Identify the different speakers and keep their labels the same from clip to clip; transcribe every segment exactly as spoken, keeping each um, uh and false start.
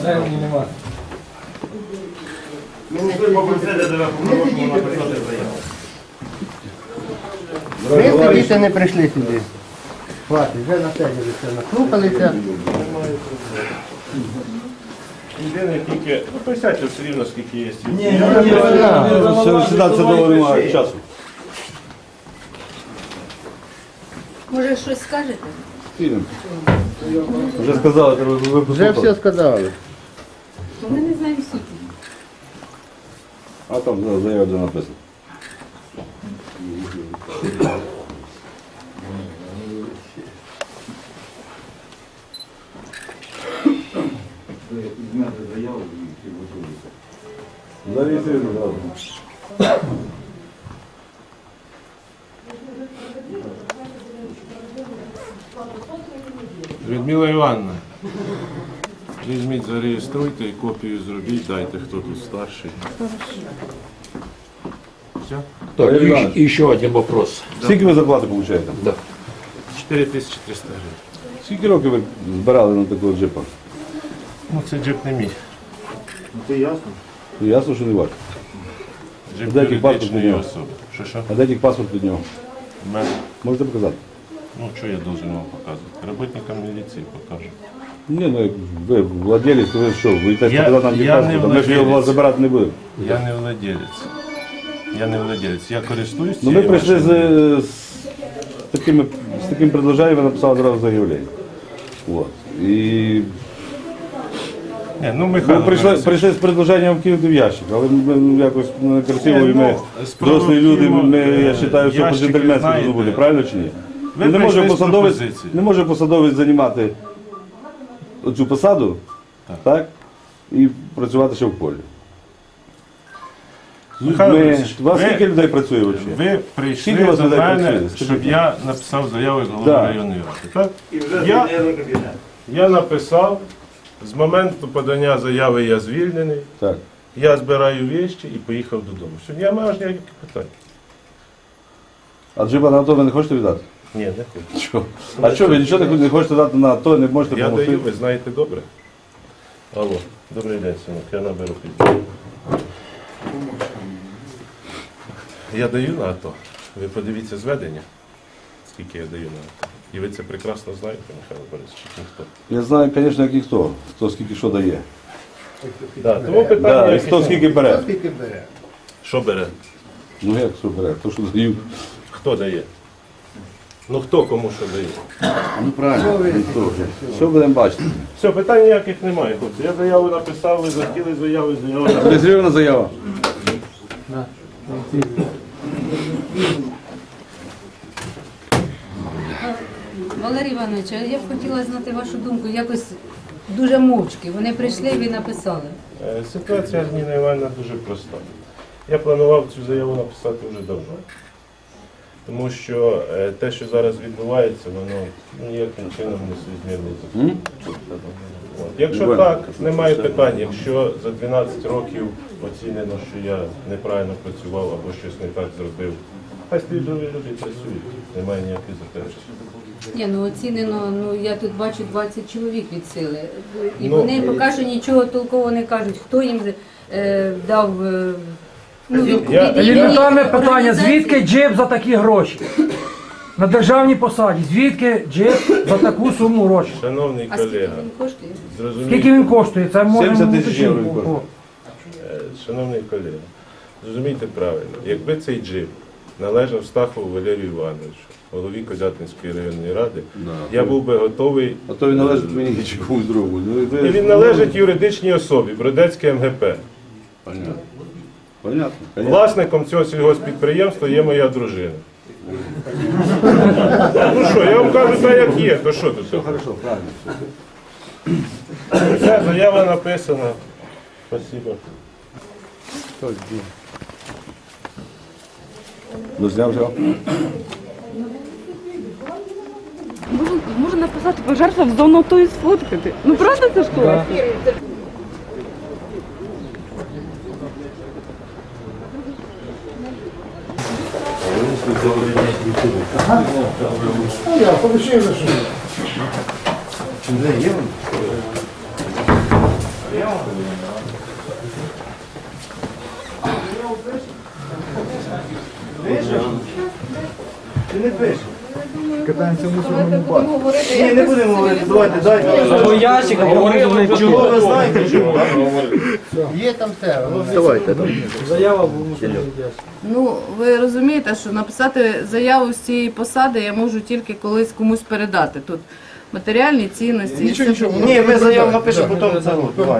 Speaker 1: Землі нема.
Speaker 2: Ми сидіти не прийшли сюди. Хватить, вже насиділися, наслухалися.
Speaker 3: Єдине тільки, ну присядьте все рівно, скільки є.
Speaker 1: Ні, ні, ні.
Speaker 4: Сідати довго немає часу.
Speaker 5: Може, щось скажете?
Speaker 4: Фільм. Вже сказали, треба
Speaker 2: Вже
Speaker 4: випустити.
Speaker 2: все сказали.
Speaker 5: Ми не знаємо суті.
Speaker 4: А там заява вже написано. Зареєструємо зразу.
Speaker 3: Людмила Івановна, візьміть, зареєструйте і копію зробіть, дайте, хто тут старший. Все?
Speaker 4: Так,
Speaker 6: И, и еще один вопрос.
Speaker 4: Скільки ви зарплати получаєте?
Speaker 6: Да.
Speaker 3: чотири тисячі триста гривень.
Speaker 4: Скільки років ви збирали на такого джипа?
Speaker 3: Ну це джип не мій.
Speaker 4: Ну, ясно, що не ваш.
Speaker 3: Джип
Speaker 4: Де який паспорт
Speaker 3: юридичної
Speaker 4: у нього?
Speaker 3: особи. Що що?
Speaker 4: А де тільки паспорт від нього?
Speaker 3: У мене.
Speaker 4: Можете показати?
Speaker 3: Ну що я должен вам показувати? Роботникам міліції покажу.
Speaker 4: Ні, ну ви владелець, то ви що, ви йдете
Speaker 3: Я-
Speaker 4: показати нам
Speaker 3: я
Speaker 4: паспорт,
Speaker 3: не
Speaker 4: а ми ж його у вас
Speaker 3: владелець.
Speaker 4: забирати не будемо.
Speaker 3: Я не владелець. Я не владелець. Я користуюсь
Speaker 4: Ну ми
Speaker 3: цією
Speaker 4: прийшли з,
Speaker 3: машиною.
Speaker 4: з, такими, з таким предложенням, ви написали одразу заявлення. Вот. І
Speaker 3: Ні, ну,
Speaker 4: ми
Speaker 3: Михайло
Speaker 4: прийшли,
Speaker 3: Борисович,
Speaker 4: прийшли з предложенням кинути в ящик, але ми ну, якось некрасиво,
Speaker 3: Ні,
Speaker 4: і ми
Speaker 3: ну, справа
Speaker 4: дорослі
Speaker 3: в
Speaker 4: люди,
Speaker 3: тім,
Speaker 4: ми,
Speaker 3: е,
Speaker 4: я вважаю, що
Speaker 3: ящики,
Speaker 4: по-джентльменськи
Speaker 3: знаєте,
Speaker 4: должно бути, правильно чи ні?
Speaker 3: ви
Speaker 4: Ну, не, може
Speaker 3: прийшли з
Speaker 4: посадовець,
Speaker 3: пропозицією.
Speaker 4: не може посадовець займати цю посаду, так. так, і працювати ще в полі.
Speaker 3: Михайло
Speaker 4: Ми,
Speaker 3: Борисович,
Speaker 4: у вас
Speaker 3: ви-
Speaker 4: скільки людей працює взагалі?
Speaker 3: Ви
Speaker 4: Скільки у
Speaker 3: прийшли
Speaker 4: вас
Speaker 3: до
Speaker 4: людей
Speaker 3: мене,
Speaker 4: працює? Скажіть,
Speaker 3: щоб я написав заяву з голови
Speaker 4: Да.
Speaker 3: районної ради. Так? Я, я написав, з моменту подання заяви я звільнений,
Speaker 4: Так.
Speaker 3: я збираю вещі і поїхав додому. Сьогодні я маю аж ніяких питань.
Speaker 4: А джипа на АТО ви не хочете віддати?
Speaker 3: Ні, не хочу.
Speaker 4: Чого? А що, ви нічого не хочете дати на АТО, не можете
Speaker 3: Я
Speaker 4: допомогти?
Speaker 3: даю, ви знаєте добре. Алло, добрий день, синок, я наберу пізніше. Я даю на АТО. Ви подивіться зведення, скільки я даю на АТО. І ви це прекрасно знаєте, Михайло Борисович, ніхто.
Speaker 4: Я знаю, звісно, як ніхто, хто скільки що дає.
Speaker 3: Да, тому питання,
Speaker 4: Да, і
Speaker 3: яких
Speaker 4: хто
Speaker 3: нема.
Speaker 4: скільки бере.
Speaker 2: Скільки бере?
Speaker 3: Що бере?
Speaker 4: Ну як що бере? То, що дають.
Speaker 3: Хто дає? Ну хто кому що дає?
Speaker 4: Ну правильно. Що будемо бачити?
Speaker 3: Все, питань ніяких немає, хлопці. Я заяву написав, ви захотіли заяву, заяву написав.
Speaker 4: Реєстрована заява.
Speaker 5: Валерій Іванович, а я б хотіла знати вашу думку. Якось дуже мовчки. Вони прийшли і ви написали.
Speaker 3: Е, Ситуація з Ніною Іванівною дуже проста. Я планував цю заяву написати вже давно. Тому що е, те, що зараз відбувається, воно ніяким чином не соізмірне з законом. От. Якщо так, немає питань. Якщо за дванадцять років оцінено, що я неправильно працював або щось не так зробив, хай слідові люди працюють, немає ніяких заперечень.
Speaker 5: Ні, ну оцінено, ну я тут бачу двадцять чоловік від сили. І
Speaker 3: Ну,
Speaker 5: вони поки що нічого толково не кажуть, хто їм е, дав е, ну, від,
Speaker 3: Я-
Speaker 5: від імені
Speaker 1: Елементарне питання,
Speaker 5: організації.
Speaker 1: звідки джип за такі гроші? На державній посаді, звідки джип за таку суму грошей?
Speaker 3: Шановний
Speaker 5: А скільки
Speaker 3: колега,
Speaker 5: він коштує?
Speaker 3: зрозумійте,
Speaker 1: Скільки він коштує? Це можемо
Speaker 4: сімдесят тисяч євро він
Speaker 1: уточнити.
Speaker 4: коштує.
Speaker 3: Е, Шановний колега, зрозумійте правильно, якби цей джип належав Стахову Валерію Івановичу, голові Козятинської районної ради, я був би готовий.
Speaker 4: А то він належить мені чи комусь другому. Ну, і ви-
Speaker 3: І він належить юридичній особі, Бродецьке ем ге пе.
Speaker 4: Понятно. Понятно. Понятно.
Speaker 3: Власником цього сільгоспідприємства є моя дружина. Ну що, я вам кажу так, як є, то що тут?
Speaker 4: Хорошо, правильно.
Speaker 3: Все, заява написана. Спасибо.
Speaker 4: Ну, зняв вже.
Speaker 7: Можна, можна написати пожертва в зону ту і сфоткати. Ну правда це ж класно?
Speaker 2: Я получив за що. Ти не пишеш?
Speaker 5: Давайте будемо говорити.
Speaker 2: Ні, не будемо говорити, давайте, дайте.
Speaker 1: Або ящик, або говорили.
Speaker 2: Чого ви знаєте, чого? Є там все. Давайте.
Speaker 1: Заява була.
Speaker 6: Ну, ви розумієте, що написати заяву з цієї посади я можу тільки колись комусь передати. Тут матеріальні цінності. Нічого, нічого.
Speaker 2: Ні, ми заяву напишемо, потім це.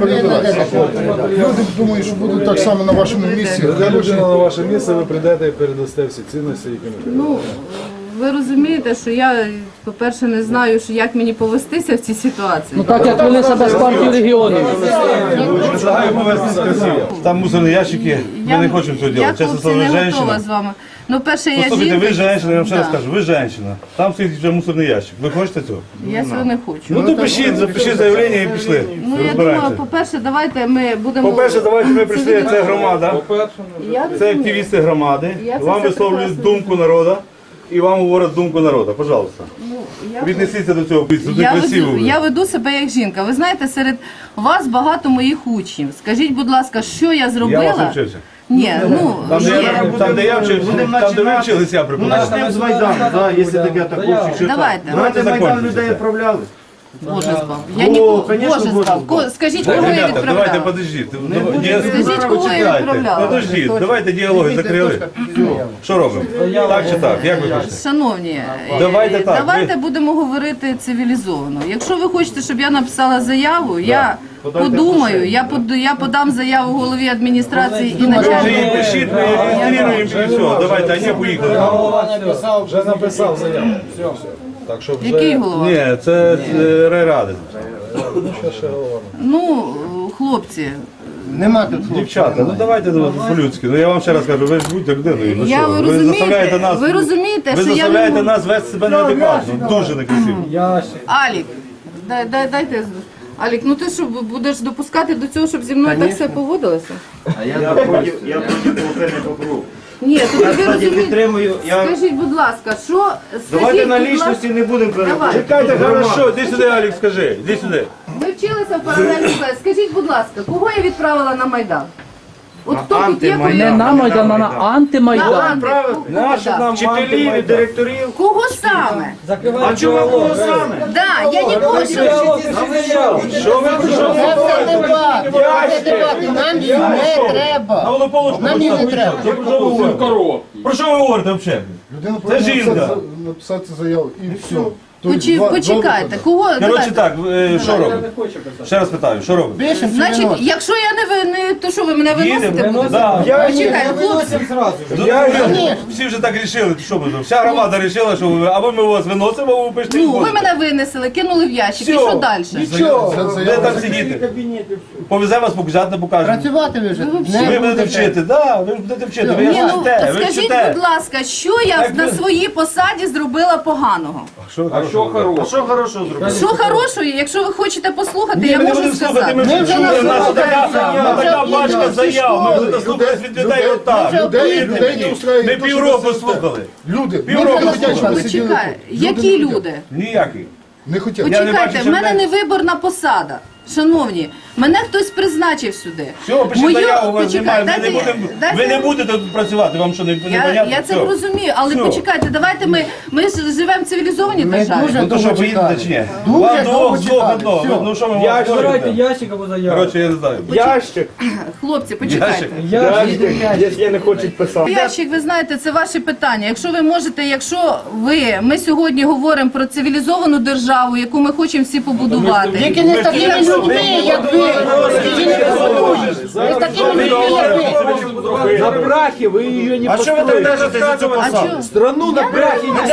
Speaker 8: Люди думають, що будуть так само на вашому місці.
Speaker 9: Прийде людина на ваше місце, ви прийдете і передасте всі цінності, які ми
Speaker 6: Ну, ви розумієте, що я, по-перше, не знаю, що як мені повестися в цій ситуації.
Speaker 1: Так як вони себе з партії регіонів.
Speaker 4: Предлагаю повестись красиво. Там мусорні ящики, ми не хочемо цього
Speaker 6: Я,
Speaker 4: робити. Чесно
Speaker 6: хлопці,
Speaker 4: слово, ви
Speaker 6: не готова
Speaker 4: женщина.
Speaker 6: з вами. Ну, перше, я
Speaker 4: Послухайте, ви
Speaker 6: жінка.
Speaker 4: женщина, я вам ще раз
Speaker 6: Да.
Speaker 4: кажу, ви женщина. Там стоїть вже мусорний ящик. Ви хочете цього?
Speaker 6: Я цього не хочу.
Speaker 4: Ну то пишіть, запишіть заявлення і пішли.
Speaker 6: Ну, я думаю, по-перше, давайте ми будемо...
Speaker 4: По-перше, давайте ми прийшли, це громада,
Speaker 6: Я
Speaker 4: це
Speaker 6: розумію.
Speaker 4: активісти громади.
Speaker 6: Я це
Speaker 4: Вам
Speaker 6: все
Speaker 4: висловлюють
Speaker 6: прекрасно
Speaker 4: думку народу і вам говорять думку народу. Пожалуйста.
Speaker 6: Ну, я-
Speaker 4: Віднесіться до цього, це
Speaker 6: Я
Speaker 4: красиво.
Speaker 6: веду, я веду себе як жінка. Ви знаєте, серед вас багато моїх учнів. Скажіть, будь ласка, що я
Speaker 4: Я
Speaker 6: зробила?
Speaker 4: вас навчився.
Speaker 6: Ні, ну
Speaker 4: Там, де
Speaker 6: є.
Speaker 4: я, там, де я вчився,
Speaker 2: Будемо
Speaker 4: там, де ви
Speaker 2: починати.
Speaker 4: вчилися, я
Speaker 2: Ну,
Speaker 4: преподавав.
Speaker 2: почнемо з Майдану, да, якщо таке такого.
Speaker 6: Давайте.
Speaker 2: Знаєте, Майдан
Speaker 4: закончиться
Speaker 2: людей
Speaker 4: це.
Speaker 2: відправляли.
Speaker 6: Боже збав. Я
Speaker 2: О,
Speaker 6: нікого,
Speaker 2: конечно,
Speaker 6: Боже
Speaker 2: Боже
Speaker 6: збав.
Speaker 2: збав.
Speaker 6: Ко- Скажіть, кого я
Speaker 4: Ребята, давайте
Speaker 6: відправляла?
Speaker 4: подождіть.
Speaker 6: Скажіть, кого я відправляла?
Speaker 4: Подождіть, давайте діалоги закрили. Що робимо? Так чи так? Як ви хочете?
Speaker 6: Шановні, е,
Speaker 4: Давайте так,
Speaker 6: давайте
Speaker 4: ви-
Speaker 6: будемо говорити цивілізовано. Якщо ви хочете, щоб я написала заяву, я подумаю, я, под, я подам заяву голові адміністрації і
Speaker 4: Ви
Speaker 6: начальнику.
Speaker 4: її пишіть, ми її реєструємо і все. Давайте, а не поїхали.
Speaker 9: вже написав заяву. Все, все. Так що вже
Speaker 6: Який голова?
Speaker 4: Ні, це е, райради.
Speaker 9: ще ще голова.
Speaker 6: Ну, хлопці,
Speaker 2: Нема тут хлопців.
Speaker 4: Дівчата, ну давайте ну, по-людськи. Ну я вам ще раз кажу, ви ж будьте людиною. Ну
Speaker 6: я
Speaker 4: що,
Speaker 6: ви
Speaker 4: ви
Speaker 6: розумієте,
Speaker 4: заставляєте нас,
Speaker 6: ви розумієте,
Speaker 4: ви
Speaker 6: що я не
Speaker 4: заставляєте
Speaker 6: можу.
Speaker 4: нас вести себе неадекватно. Дуже некрасиво.
Speaker 6: Алік, дай, дай, дайте. з- Алік, ну ти що, будеш допускати до цього, щоб зі мною так все поводилося?
Speaker 2: Я проти, я проти половини покру.
Speaker 6: Ні, то ви
Speaker 2: Кстати,
Speaker 6: розумієте.
Speaker 2: підтримую. Я...
Speaker 6: Скажіть, будь ласка, що
Speaker 2: Давайте
Speaker 6: скажіть,
Speaker 2: на
Speaker 6: будь ласка,
Speaker 2: лічності не будемо переходити.
Speaker 6: Давай.
Speaker 4: Чекайте, хорошо, іди сюди, Алік, скажи, іди сюди.
Speaker 6: Ви вчилися в паралельній класі. Скажіть, будь ласка, кого я відправила на Майдан? От хто тут є, кого я
Speaker 1: Не на Майдан, а на
Speaker 6: на
Speaker 1: антимайдан.
Speaker 6: Анти? Кого, да?
Speaker 2: Вчителів і директорів.
Speaker 6: Кого саме?
Speaker 2: А чому кого саме?
Speaker 6: Да, я нікого що...
Speaker 4: Що ви прийшли?
Speaker 2: Це все дебат. Це дебати. Нам їх не треба.
Speaker 4: На Волополочку
Speaker 2: Нам їх не треба.
Speaker 4: Про що ви говорите? Про що ви говорите взагалі?
Speaker 8: Людина
Speaker 4: Це
Speaker 8: повинна
Speaker 4: жінка.
Speaker 8: написати, написати заяву і все. Тобто
Speaker 6: Почі-
Speaker 8: два- два
Speaker 6: Почекайте,
Speaker 8: виходи.
Speaker 6: кого...
Speaker 4: Коротше
Speaker 6: давайте.
Speaker 4: так, е, що робимо? Ще раз питаю, що робимо?
Speaker 2: Пишемо чи
Speaker 6: Значить,
Speaker 2: виносимо?
Speaker 6: якщо я не, ви- не то що ви мене виносите?
Speaker 4: Їдемо.
Speaker 6: будете?
Speaker 4: Да.
Speaker 6: Почекайте, хлопці.
Speaker 4: Ну, ви- Всі вже так рішили, що ми зробимо? Вся громада рішила, що ви, або ми вас виносимо, або ви пишете.
Speaker 6: Ну, ви мене винесли, кинули в ящик, і
Speaker 4: Всьо.
Speaker 6: що далі?
Speaker 8: Це
Speaker 4: Де
Speaker 8: заява.
Speaker 4: там сидіти? Повезе вас, покажете, покажемо.
Speaker 2: Працювати ви вже
Speaker 4: Ви
Speaker 2: не
Speaker 4: будете вчити, да, ви ж будете вчити, ви
Speaker 6: Ні, ну,
Speaker 4: вчите, ви
Speaker 6: скажіть,
Speaker 4: вчите.
Speaker 6: будь ласка, що я
Speaker 4: Так
Speaker 6: на
Speaker 4: ви-
Speaker 6: своїй посаді зробила поганого?
Speaker 4: Що хорошого?
Speaker 2: А що хорошого зробили?
Speaker 6: Що хорошого, якщо ви хочете послухати,
Speaker 4: Ні,
Speaker 6: я
Speaker 4: ми не
Speaker 6: можу
Speaker 4: будемо слухати,
Speaker 6: сказати.
Speaker 4: ми вже
Speaker 2: вже
Speaker 4: чули,
Speaker 2: на
Speaker 4: в нас така,
Speaker 2: заяви,
Speaker 4: на
Speaker 2: вже
Speaker 4: така
Speaker 2: їдемо
Speaker 4: пачка
Speaker 2: зі
Speaker 4: заяв, ми
Speaker 2: школи.
Speaker 4: будемо слухати від людей отак.
Speaker 8: Людей, людей не устраиває.
Speaker 4: Ми
Speaker 8: то, що
Speaker 4: півроку
Speaker 8: ви сидите.
Speaker 4: слухали.
Speaker 8: Люди,
Speaker 4: Півроку
Speaker 8: люди хотять, щоб ви
Speaker 6: Почекай,
Speaker 8: сиділи тут.
Speaker 6: які
Speaker 8: не хотять.
Speaker 6: люди?
Speaker 4: Ніякий.
Speaker 8: Не хотять.
Speaker 4: Я не
Speaker 6: Почекайте,
Speaker 4: бачу,
Speaker 6: в
Speaker 4: що
Speaker 6: мене
Speaker 4: в
Speaker 6: не виборна посада. Шановні, мене хтось призначив сюди.
Speaker 4: Все, пишіть
Speaker 6: Мою-
Speaker 4: заяву, вас
Speaker 6: почекай,
Speaker 4: немає, ми не
Speaker 6: дайте я-
Speaker 4: будемо,
Speaker 6: дайте
Speaker 4: ви
Speaker 6: я-
Speaker 4: не будете тут працювати, вам що, не, не
Speaker 6: Я,
Speaker 4: понятно?
Speaker 6: я це
Speaker 4: Все.
Speaker 6: розумію, але
Speaker 4: Все.
Speaker 6: почекайте, давайте ми, ми ж живемо в цивілізованій
Speaker 2: Ми
Speaker 6: державі.
Speaker 2: дуже
Speaker 4: Ну то що,
Speaker 2: довго
Speaker 4: поїдете
Speaker 2: чекали.
Speaker 4: чи ні?
Speaker 2: Дуже
Speaker 4: Вам
Speaker 2: довго
Speaker 4: двох, двох
Speaker 2: чекали.
Speaker 4: одного,
Speaker 2: Все.
Speaker 4: ну що ми вам
Speaker 1: Збирайте
Speaker 4: говорите?
Speaker 1: ящик або заяву.
Speaker 4: Коротше, я не знаю.
Speaker 3: Ящик,
Speaker 6: Хлопці, почекайте.
Speaker 3: ящик, якщо не хочуть писати.
Speaker 6: Ящик, ви знаєте, це ваші питання. Якщо ви можете, якщо ви, ми сьогодні говоримо про цивілізовану державу, яку ми хочемо всі побудувати.
Speaker 2: Тільки не з такими людьми, як ви. Тільки не з такими людьми, як ви.
Speaker 9: На брахе вы ее не
Speaker 2: А що ви так держите за цю
Speaker 6: А
Speaker 2: посаду?
Speaker 6: чого?
Speaker 9: Страну на брахе не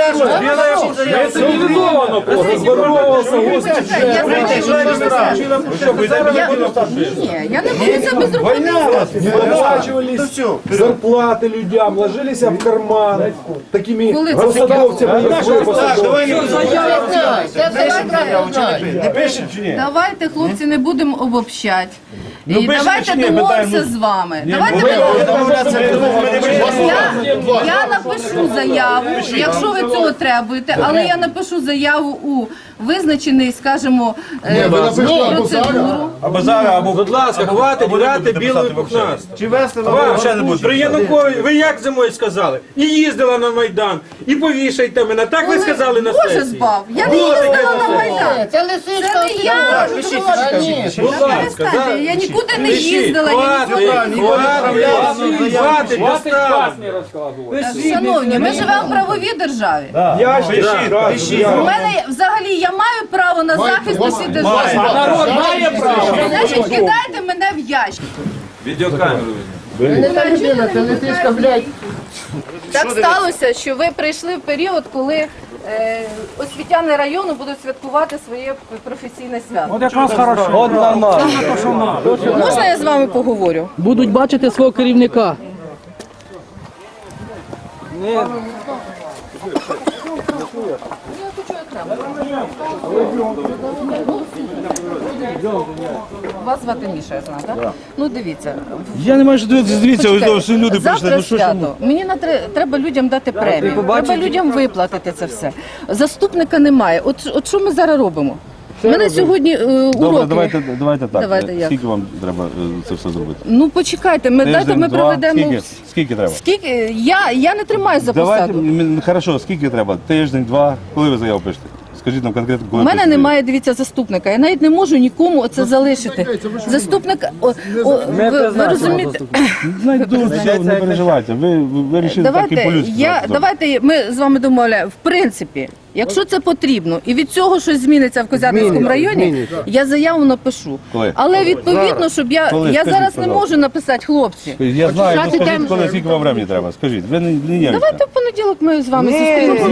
Speaker 6: Я
Speaker 9: цивилизовано просто. Здоровался, господи.
Speaker 6: я
Speaker 2: Прийти, що ви страшно?
Speaker 4: Що, ви не
Speaker 6: Я-
Speaker 4: будете
Speaker 6: Ні, я не буду це безробітним.
Speaker 9: Выплачивались зарплаты людям, ложились в карман такими
Speaker 6: Коли це
Speaker 9: посадовцями, як ви,
Speaker 2: Так,
Speaker 9: посадовці.
Speaker 2: давай не будемо. Це все правильно знаю.
Speaker 4: не пишете чи ні?
Speaker 6: Давайте, хлопці, не будемо обобщати. І
Speaker 4: Ну, пишете
Speaker 6: давайте
Speaker 4: чи ні?
Speaker 6: домовимося
Speaker 4: Питаємо.
Speaker 6: з вами.
Speaker 4: Ні,
Speaker 6: Давайте
Speaker 4: ми-
Speaker 6: ми-
Speaker 4: ми не пишемо.
Speaker 6: я, я напишу заяву, якщо ви цього требуєте, але я напишу заяву у визначений, скажімо, е,
Speaker 8: Ні, ви напишете або зараз.
Speaker 6: процедуру.
Speaker 4: Або зараз, або
Speaker 9: Будь ласка, хватить грати білою пухнастою.
Speaker 4: Чи вести на
Speaker 9: Вам
Speaker 4: ще не буде?
Speaker 9: при Янукові, ви як зимою сказали? І їздила на Майдан, і повішайте мене. Так ви сказали на
Speaker 6: Боже
Speaker 9: сесії?
Speaker 6: збав, я не
Speaker 9: Було таке
Speaker 6: їздила
Speaker 9: на
Speaker 6: на
Speaker 9: сесії.
Speaker 6: Майдан.
Speaker 2: Це лисичка.
Speaker 6: Це не я.
Speaker 9: Будь ласка, да.
Speaker 6: Я нікуди не
Speaker 9: Пишіть,
Speaker 6: їздила, я
Speaker 9: хватить,
Speaker 6: нікуди.
Speaker 9: хватить, хватить, достатньо.
Speaker 6: Шановні, ми живемо в правовій державі.
Speaker 9: Я ж пишіть,
Speaker 6: У мене взагалі я маю право на захист у цій державі.
Speaker 9: народ має право.
Speaker 6: Значить, кидайте мене в ящик.
Speaker 2: Не та людина, це лисичка, блядь.
Speaker 6: Так сталося, що ви прийшли в період, коли е, освітяни району будуть святкувати своє професійне свято.
Speaker 1: От якраз хорошо.
Speaker 4: От нормально.
Speaker 6: Можна я з вами поговорю?
Speaker 10: Будуть бачити свого керівника.
Speaker 6: Вас звати Міша, я знаю, так? Ну дивіться.
Speaker 4: Я не маю що дивитися, дивіться, ось
Speaker 6: Почекайте,
Speaker 4: всі люди прийшли.
Speaker 6: завтра
Speaker 4: Ну що ж ви?
Speaker 6: свято. Мені на тре- треба людям дати премію. Треба людям виплатити це все. Заступника немає. От, от що ми зараз робимо? У мене сьогодні е, уроки.
Speaker 4: Добре, давайте, давайте так.
Speaker 6: Давайте як?
Speaker 4: Скільки вам треба е, це все зробити?
Speaker 6: Ну почекайте, ми дайте
Speaker 4: Тиждень,
Speaker 6: ми
Speaker 4: два?
Speaker 6: проведемо.
Speaker 4: Скільки? Скільки треба?
Speaker 6: Скільки? Я, я не тримаю за
Speaker 4: Давайте,
Speaker 6: посаду.
Speaker 4: м, хорошо, скільки треба? Тиждень, два? Коли ви заяву пишете? Скажіть нам конкретно,
Speaker 6: У
Speaker 4: коли
Speaker 6: мене
Speaker 4: пишете?
Speaker 6: немає, дивіться, заступника. Я навіть не можу нікому це залишити. Заступник, о, о, ви, ви розумієте?
Speaker 4: Знайду, все, не переживайте. Ви, ви, ви вирішили так і
Speaker 6: Давайте,
Speaker 4: по-людськи.
Speaker 6: я,
Speaker 4: зробити.
Speaker 6: давайте ми з вами домовляємо. В принципі, якщо це потрібно, і від цього щось зміниться в Козятинському районі, я заяву напишу.
Speaker 4: Коли?
Speaker 6: Але відповідно, щоб я,
Speaker 4: Коли?
Speaker 6: я
Speaker 4: Скажіть,
Speaker 6: зараз не
Speaker 4: пожалуйста.
Speaker 6: можу написати хлопці.
Speaker 4: Я знаю, ну
Speaker 2: Почати
Speaker 4: скажіть,
Speaker 2: тему.
Speaker 4: коли, скільки вам времени треба? Скажіть, ви не, не нервничайте.
Speaker 6: Давайте в понеділок ми з вами зустрінемося.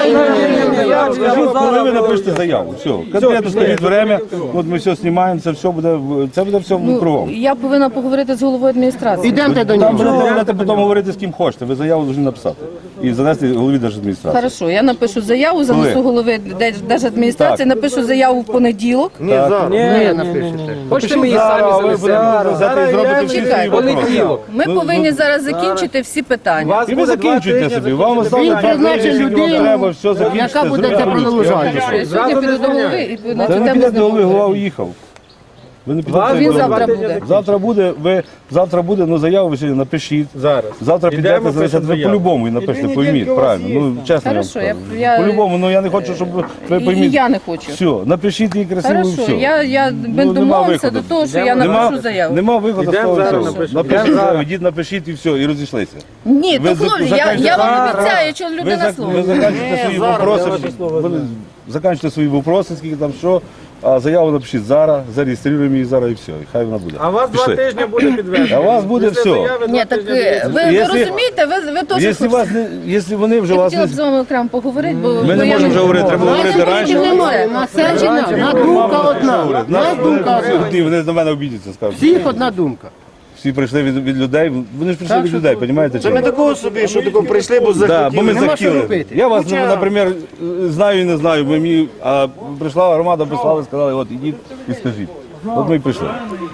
Speaker 4: Скажіть, коли ви напишете заяву, все, конкретно скажіть время, от ми все знімаємо, це все буде, в- це буде все
Speaker 6: Ну,
Speaker 4: кругом.
Speaker 6: я повинна поговорити з головою адміністрації.
Speaker 2: Ідемте до
Speaker 4: Там
Speaker 2: нього.
Speaker 4: будете будете потім говорити з ким хочете, ви заяву повинні написати і занести голові держадміністрації.
Speaker 6: Хорошо, я напишу заяву, занесу
Speaker 4: Коли?
Speaker 6: голови Держ- держадміністрації, напишу заяву в понеділок.
Speaker 2: Ні, напишете.
Speaker 10: Хочете ми її
Speaker 4: Зараз
Speaker 10: самі
Speaker 4: ви
Speaker 10: занесемо?
Speaker 4: будете взяти і зробити всі
Speaker 6: Чекай,
Speaker 4: свої вопроси.
Speaker 6: Ми повинні зараз закінчити всі питання.
Speaker 4: І ви закінчуєте собі, вам осталось два
Speaker 2: призначить
Speaker 4: тижні, скільки вам
Speaker 2: людину,
Speaker 4: треба, все закінчите,
Speaker 2: яка буде
Speaker 4: зробите
Speaker 2: це
Speaker 4: по-людськи.
Speaker 2: продовжувати.
Speaker 6: Я сьогодні піду до голови і на
Speaker 4: Та
Speaker 6: цю
Speaker 4: не
Speaker 6: тему
Speaker 4: підете
Speaker 6: з
Speaker 4: до
Speaker 6: ним
Speaker 4: голови, голова
Speaker 6: поговорю.
Speaker 4: уїхав. Ви не підете
Speaker 6: Він
Speaker 4: до голови.
Speaker 6: завтра буде.
Speaker 4: Завтра буде, ви завтра буде, ну заяву ви сьогодні напишіть.
Speaker 9: Зараз.
Speaker 4: Завтра
Speaker 9: Ідемо,
Speaker 4: підете,
Speaker 9: пишемо
Speaker 4: значить, ви
Speaker 9: заяву.
Speaker 4: по-любому і напишете, пойміть, правильно. Ну, чесно я вам
Speaker 6: Хорошо, я-
Speaker 4: скажу.
Speaker 6: я-
Speaker 4: По-любому, ну я не хочу, щоб ви
Speaker 6: І, і
Speaker 4: пойміть.
Speaker 6: я не хочу.
Speaker 4: Все, напишіть її красиво і
Speaker 6: Хорошо,
Speaker 4: все.
Speaker 6: я, я ми
Speaker 4: Ну, нема
Speaker 6: домовимося
Speaker 4: виходу.
Speaker 6: до того, що я
Speaker 4: Нема,
Speaker 6: напишу заяву.
Speaker 4: нема виходу з
Speaker 9: Ідемо
Speaker 4: того
Speaker 9: зараз
Speaker 4: всього.
Speaker 9: напишемо.
Speaker 4: Напишіть
Speaker 9: Ідемо
Speaker 4: заяву, йдіть, напишіть і все, і розійшлися.
Speaker 6: Ні,
Speaker 4: Ви
Speaker 6: то
Speaker 4: за-
Speaker 6: хлопці, я,
Speaker 4: заканчуєте-
Speaker 6: я вам
Speaker 4: Зараз.
Speaker 6: обіцяю, що
Speaker 4: Ви,
Speaker 6: людина
Speaker 4: зак-
Speaker 6: слово.
Speaker 4: ви заканчуєте свої вопроси, ви заканчуєте свої вопроси, скільки там що, а заяву напишіть зараз, зареєструємо її зараз і все, і хай вона буде.
Speaker 9: А у вас два
Speaker 4: Пішли.
Speaker 9: тижні буде підведено.
Speaker 4: А у вас буде
Speaker 9: Після
Speaker 4: все.
Speaker 9: заяви два
Speaker 6: Ні, так
Speaker 9: тижні
Speaker 6: е, ви, ви
Speaker 4: Якщо-
Speaker 6: розумієте, ви, ви теж
Speaker 4: Якщо, вас не, якщо вони вже
Speaker 6: Я
Speaker 4: вас
Speaker 6: хотіла
Speaker 4: не...
Speaker 6: б з вами окремо поговорити, бо
Speaker 4: Ми
Speaker 6: бо
Speaker 4: не
Speaker 6: я
Speaker 4: можемо вже говорити, треба говорити
Speaker 2: Нас
Speaker 4: раніше.
Speaker 2: немає, нас це одна, одна думка одна. Нас думка одна.
Speaker 4: Ні, вони на мене обідяться, скажуть.
Speaker 2: Всіх одна думка.
Speaker 4: Всі прийшли від, від людей, вони ж прийшли від людей, розумієте?
Speaker 11: Це ми такого собі, що тако прийшли, бо
Speaker 4: Да,
Speaker 11: захотіли.
Speaker 4: бо ми
Speaker 2: Нема що
Speaker 4: захотіли.
Speaker 2: робити.
Speaker 4: Я вас, наприклад, знаю і не знаю, бо мені, а прийшла громада, прислали, сказали, от ідіть і скажіть. От ми і прийшли.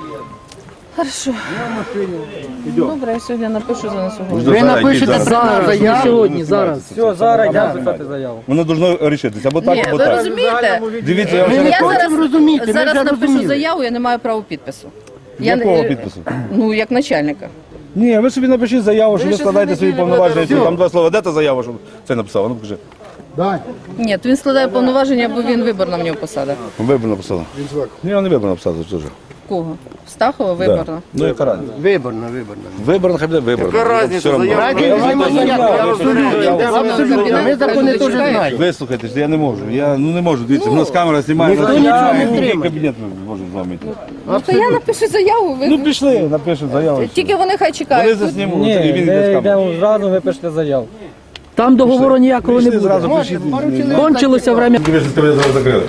Speaker 6: Хорошо. Добре, я сьогодні напишу, занесу голову.
Speaker 2: Ви напишете зараз
Speaker 10: Не
Speaker 2: заяву.
Speaker 10: сьогодні, зараз.
Speaker 1: Все, зараз йдемо писати заяву.
Speaker 4: Воно должно рішитися, або так,
Speaker 6: Ні,
Speaker 4: або
Speaker 6: ви
Speaker 4: так.
Speaker 6: розумієте?
Speaker 4: Дивіться, я
Speaker 2: Ми
Speaker 4: вже
Speaker 2: не
Speaker 6: Я
Speaker 2: хочемо
Speaker 6: зараз,
Speaker 2: розуміти, ми
Speaker 6: зараз
Speaker 2: вже
Speaker 6: напишу
Speaker 2: розуміли.
Speaker 6: заяву, я не маю права підпису. Я не-
Speaker 4: Якого підпису?
Speaker 6: Ну, як начальника.
Speaker 4: Ні, ви собі напишіть заяву, що ви складаєте свої повноваження. Там два слова. Де та заява, щоб це написав? Ну покажи.
Speaker 8: Дай.
Speaker 6: Ні, то він складає повноваження, бо він виборна в нього посада.
Speaker 4: Виборно написала. Ні, я не виборно написав, це ж.
Speaker 6: Кого? Стахова виборна?
Speaker 4: Ну яка разниця?
Speaker 2: Виборна, виборна.
Speaker 4: Виборно, хай буде виборно.
Speaker 11: Яка різниця,
Speaker 4: Все одно.
Speaker 11: заява?
Speaker 2: Разниці немає ніякої, абсолютно. Абсолютно. Ми закони теж знаємо.
Speaker 4: Вислухайте, що я не можу. Я ну не можу. Дивіться, у нас камера знімає.
Speaker 2: ніхто
Speaker 4: Я-
Speaker 2: нічого не
Speaker 4: який
Speaker 2: тримає.
Speaker 4: кабінет ми можемо з вами йти?
Speaker 6: Ну, то я напишу заяву, ви...
Speaker 4: Ну пішли, напишуть заяву.
Speaker 6: тільки вони хай
Speaker 4: Вони
Speaker 6: чекають. Тут-
Speaker 4: заснімуть, і він йде з камери.
Speaker 1: зразу, ви пишете заяву.
Speaker 10: Там договору ніякого не
Speaker 4: Пішли
Speaker 10: буде.
Speaker 4: зразу пишіть.
Speaker 10: Кончилося время.
Speaker 4: Ви ж тебе зараз закрили.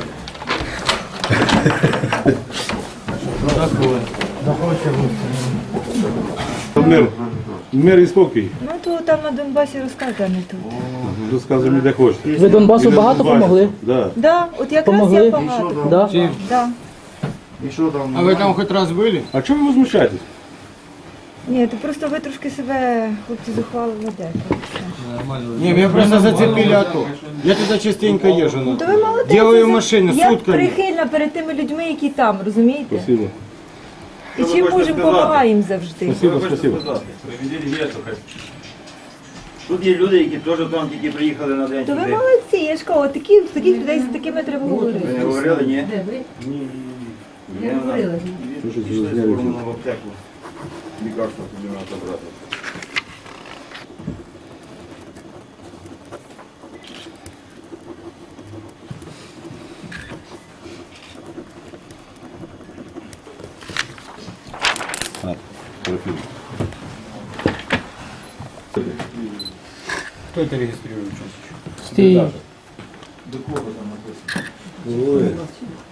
Speaker 4: Мир. Мир і спокій.
Speaker 7: Ну то там на Донбасі розказує, а не тут.
Speaker 4: Розказуй мені, де хочете.
Speaker 10: Ви Донбасу багато помогли?
Speaker 4: Да.
Speaker 7: Да, от якраз
Speaker 10: Помогли?
Speaker 7: я багато.
Speaker 10: Да?
Speaker 7: Да.
Speaker 11: І що там?
Speaker 8: А ви там хоч раз були?
Speaker 4: А чому ви возмущаєтесь?
Speaker 7: Ні, то просто ви трошки себе, хлопці, зухвало ведете.
Speaker 11: Не, меня просто зацепили АТО. Я туда частенько езжу. ну.
Speaker 7: То ви молодець.
Speaker 11: Делаю машини
Speaker 7: Я
Speaker 11: сутками.
Speaker 7: прихильна перед тими людьми, які там, розумієте?
Speaker 4: Спасибо.
Speaker 7: І чим можемо, допомагаємо завжди.
Speaker 4: Спасибо, спасибо.
Speaker 11: Тут є люди, які теж там тільки приїхали на день.
Speaker 7: То ви молодці, я ж кажу, такі, таких людей з такими треба говорити.
Speaker 11: Ви не говорили, ні?
Speaker 5: Де ви? Я говорила.
Speaker 11: Пішли з сторону в аптеку. Лікарство тобі треба забрати.
Speaker 9: Хто це реєструє?
Speaker 10: Стій.
Speaker 11: До кого там написано?